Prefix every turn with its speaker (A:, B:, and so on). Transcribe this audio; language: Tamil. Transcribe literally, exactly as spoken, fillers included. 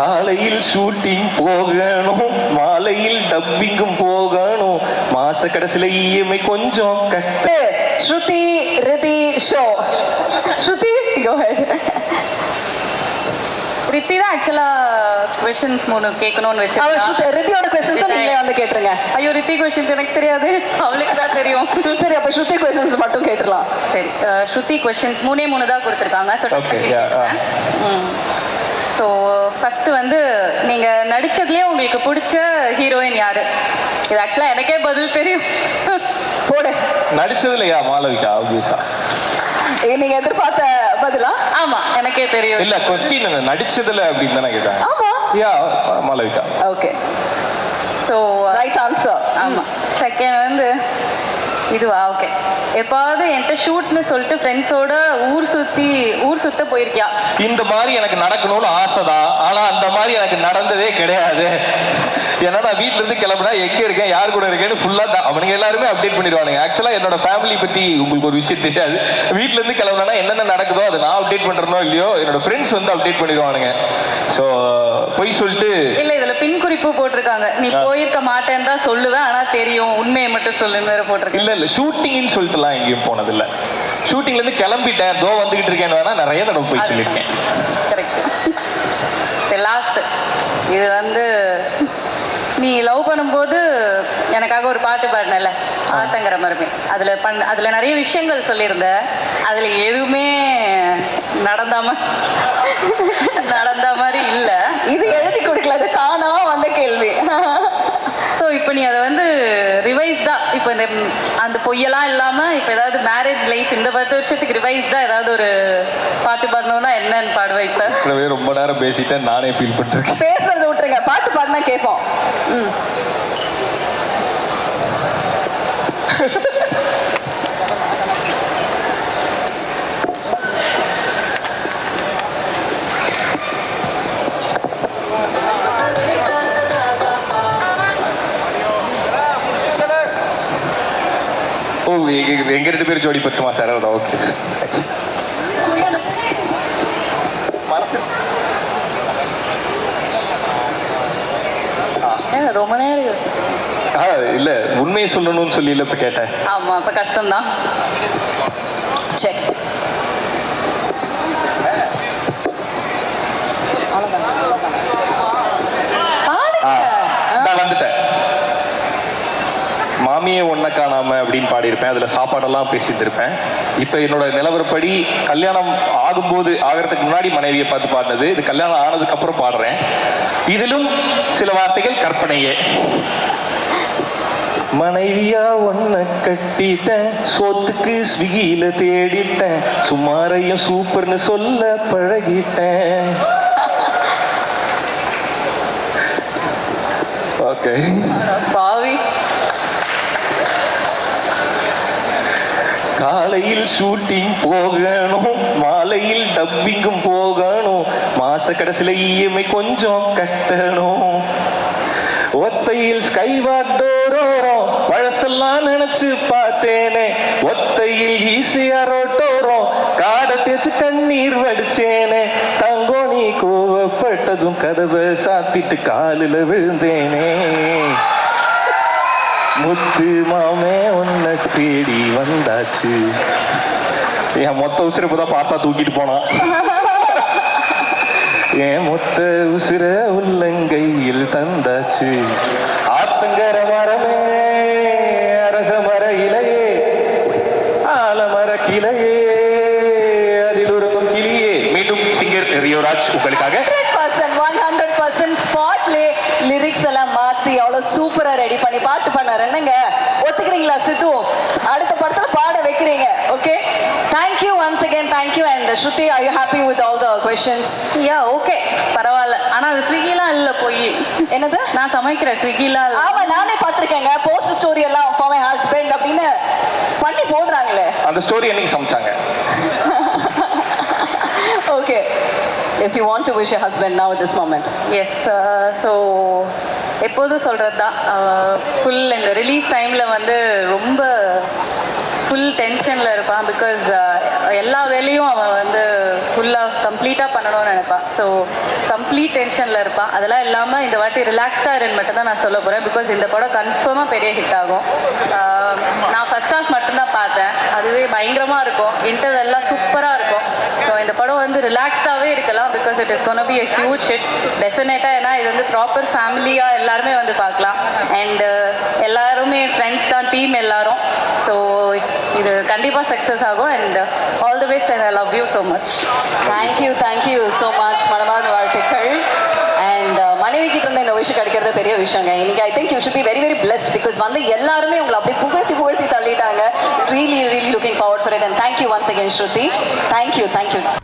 A: காலையில் ஷூட்டிங் போகணும், மாலையில் டப்பிங்கும் போகணும், மாச கடைசியில இஎம்ஐ கொஞ்சம் கட்ட.
B: Shruti Riddhi show. Shruti go ahead.
C: Riddhi தான் ஆக்சுவலா क्वेश्चंस மூணு கேட்கணும்னு வெச்சேன்.
B: அவ ஸ்ருதி ரிதியோட क्वेश्चंस நீங்களே வந்து கேட்றீங்க.
C: ஐயோ ரித்தி क्वेश्चंस எனக்கு தெரியாது, அவளுக்கு தான் தெரியும்.
B: சரி அப்ப ஸ்ருதி क्वेश्चंस மட்டும் கேட்றலாம்.
C: சரி ஸ்ருதி क्वेश्चंस மூணே மூணு தான் கொடுத்திருக்காங்க. So
A: okay yeah.
C: So first வந்து நீங்க நடிச்சதுலேயே உங்களுக்கு பிடிச்ச ஹீரோயின் யாரு? இது ஆக்சுவலா எனக்கே பதில் தெரியும்.
B: போடு.
A: நடிச்சதுலையா மாளவிகா? ஆப்வியஸா
B: நீங்க எதிர்பார்த்த பதிலா?
C: ஆமா எனக்கே தெரியும்.
A: இல்ல क्वेश्चन நடிச்சதுல அப்படின்னு தானே கேட்டாங்க.
B: ஆமா
A: yeah Malavika.
B: Okay
C: so
B: right answer.
C: ஆமா. செகண்ட் வந்து இதுவா? ஓகே. எப்பாவது என்கிட்ட ஷூட்னு சொல்லிட்டு ஃப்ரெண்ட்ஸோட ஊர் சுத்தி ஊர் சுத்த போயிருக்கியா?
A: இந்த மாதிரி எனக்கு நடக்கணும்னு ஆசைதான், ஆனா அந்த மாதிரி எனக்கு நடந்ததே கிடையாது. ஏன்னா நான் வீட்டுல இருந்து கிளம்புனா எங்க இருக்கேன் யார் கூட இருக்கேன்னு ஃபுல்லா அவனுங்க எல்லாருமே அப்டேட் பண்ணிடுவானுங்க. ஆக்சுவலா என்னோட ஃபேமிலி பத்தி உங்களுக்கு ஒரு விஷயம் தெரியாது. வீட்டுல இருந்து கிளம்புனா என்னென்ன நடக்குதோ அதை நான் அப்டேட் பண்றனோ இல்லையோ என்னோட ஃப்ரெண்ட்ஸ் வந்து அப்டேட் பண்ணிடுவானுங்க. ஸோ போய் சொல்லிட்டு
C: இல்ல இதுல பின் குறிப்பு போட்டிருக்காங்க, நீ போயிருக்க மாட்டேன்னு தான் சொல்லுவேன் ஆனா தெரியும் உண்மையை மட்டும் சொல்லுன்னு வேற போட்டிருக்கேன்.
A: இல்ல இல்ல ஷூட்டிங்னு சொல்லிட்டுலாம் எங்கேயும் போனது இல்ல. ஷூட்டிங்ல இருந்து கிளம்பிட்டேன் தோ வந்துகிட்டு இருக்கேன்னு வேணா நிறைய தடவை போய் சொல்லியிருக்கேன்.
C: கரெக்ட். லாஸ்ட் இது வந்து நீ லவ் பண்ணும்போது எனக்காக ஒரு பாட்டு பாடினல ஆத்தங்கிற மருமே, அதுல பண்ண அதுல நிறைய விஷயங்கள் சொல்லியிருந்த, அதுல எதுவுமே நடந்தாம நடந்த மாதிரி இல்ல.
B: இது எழுதி கொடுக்கல, அது தானா வந்த கேள்வி.
C: ஸோ இப்போ நீ அதை வந்து ரிவைஸ்டா இப்போ இந்த அந்த பொய்யெல்லாம் இல்லாம இப்போ ஏதாவது மேரேஜ் லைஃப் இந்த பத்து வருஷத்துக்கு ரிவைஸ்டா ஏதாவது ஒரு பாட்டு பாடணும்னா என்னன்னு பாடுவேன்? இப்போ
A: ரொம்ப நேரம் பேசிட்டேன் நானே ஃபீல் பண்ணிருக்கேன்.
B: பேசுறத விட்டுருங்க, பாட்டு பாடினா கேட்போம். ம்
A: ஓ எங்க ரெண்டு பேரும் ஜோடி பத்துமா சார்? Okay sir.
C: ரொம்ப நேரம்
A: இல்ல உண்மையை சொல்லணும்னு சொல்லி இல்ல இப்ப கேட்டேன்.
C: ஆமா அப்ப கஷ்டம்தான்.
B: செக்.
A: வந்துட்டேன். மாமியே ஒன்ன காணாம அப்படின்னு பாடியிருப்பேன். அதுல சாப்பாடெல்லாம் பேசியிருப்பேன். இப்ப என்னோட நிலவரப்படி கல்யாணம் ஆகும்போது ஆகிறதுக்கு முன்னாடி மனைவியை பார்த்து பாடினது, இது கல்யாணம் ஆனதுக்கு அப்புறம் பாடுறேன். இதிலும் சில வார்த்தைகள் கற்பனையே. மனைவியா ஒன்ன கட்டிட்டேன், சோத்துக்கு ஸ்விக்கியில தேடிட்டேன், சுமாரையும் சூப்பர்னு சொல்ல பழகிட்டேன். ஓகே
C: பாவி.
A: காலையில் ஷூட்டிங் போகணும், மாலையில் டப்பிங்கும் போகணும், மாச கடைசியில இஎம்ஐ கொஞ்சம் கட்டணும், ஒத்தையில் ஸ்கைவாக் டோரோரம் பழசெல்லாம் நினைச்சு பார்த்தேனே, ஒத்தையில் ஈஸியா ரோட்டோரம் காடை தேச்சு கண்ணீர் வடிச்சேனே, தங்கோ நீ கோவப்பட்டதும் கதவை சாத்திட்டு காலில் விழுந்தேனே, முத்து மாமே உன்னை தேடி வந்தாச்சு. என் மொத்த உசுரை இப்பதான் பார்த்தா தூக்கிட்டு போனான். என் மொத்த உசுர உள்ளங்கையில் தந்தாச்சு. ஆத்தங்கர மரமே அரச மர இலையே ஆலமர கிளையே அதில் உறங்கும் கிளியே. மீண்டும் சிங்கர் ரியோராஜ் உங்களுக்காக
B: ஹண்ட்ரட் பர்சன்ட் ஸ்பாட்லே லிரிக்ஸ் எல்லாம் மாத்தி அவ்வளவு சூப்பரா ரெடி பண்ணி பாட்டு பண்ணாரு. என்னங்க ஒத்துக்கிறீங்களா சித்து? அடுத்த படத்துல பாட வைக்கிறீங்க. Okay, thank you once again. Thank you. And Shruti, are you happy with all the questions?
C: Yeah okay பரவாயில்ல. ஆனா அது ஸ்விக்கிலாம் இல்ல போய்.
B: என்னது?
C: நான் சமைக்கிறேன் ஸ்விக்கிலாம்.
B: ஆமா நானே பாத்திருக்கேங்க. போஸ்ட் ஸ்டோரி எல்லாம் ஃபார் மை ஹஸ்பண்ட் அப்படின்னு பண்ணி போடுறாங்களே.
A: அந்த ஸ்டோரி என்னைக்கு சமைச்சாங்க?
B: Okay, if you want to wish your husband now at this moment.
C: Yes, uh, so எப்போதும் சொல்கிறது தான், ஃபுல் இந்த ரிலீஸ் டைமில் வந்து ரொம்ப ஃபுல் டென்ஷனில் இருப்பான். பிகாஸ் எல்லா வேலையும் அவன் வந்து ஃபுல்லாக கம்ப்ளீட்டாக பண்ணணும்னு நினைப்பான். ஸோ கம்ப்ளீட் டென்ஷனில் இருப்பான். அதெல்லாம் இல்லாமல் இந்த வாட்டி ரிலாக்ஸ்டாக இருன்னு மட்டும் தான் நான் சொல்ல போகிறேன். பிகாஸ் இந்த படம் கன்ஃபார்மாக பெரிய ஹிட் ஆகும். ஆஹ் நான் ஃபர்ஸ்ட் ஹாஃப் மட்டும்தான் பார்த்தேன். அதுவே பயங்கரமாக இருக்கும். இன்டர்வெல்லாம் சூப்பராக இருக்கும். ஸோ இந்த படம் வந்து ரிலாக்ஸ்டாகவே இருக்கலாம். Because it is gonna be a huge hit டெஃபினட்டாக. ஏன்னா இது வந்து ப்ராப்பர் ஃபேமிலியாக எல்லாருமே வந்து பார்க்கலாம். அண்ட் எல்லாருமே ஃப்ரெண்ட்ஸ் தான், டீம் எல்லாரும். ஸோ இது கண்டிப்பாக சக்ஸஸ் ஆகும். And all the best and I love you so much.
B: Thank you thank you so much. மனமார்ந்த வாழ்த்துக்கள். அண்ட் மனைவி கிட்ட இருந்து இந்த விஷயம் கிடைக்கிறது பெரிய விஷயங்க. இன்னைக்கு I think you should be very very blessed. Because வந்து எல்லாருமே உங்களை அப்படியே புகழ்த்தி புகழ்த்தி தள்ளிட்டாங்க. Really really looking forward for it. And thank you once again Shruti. Thank you thank you.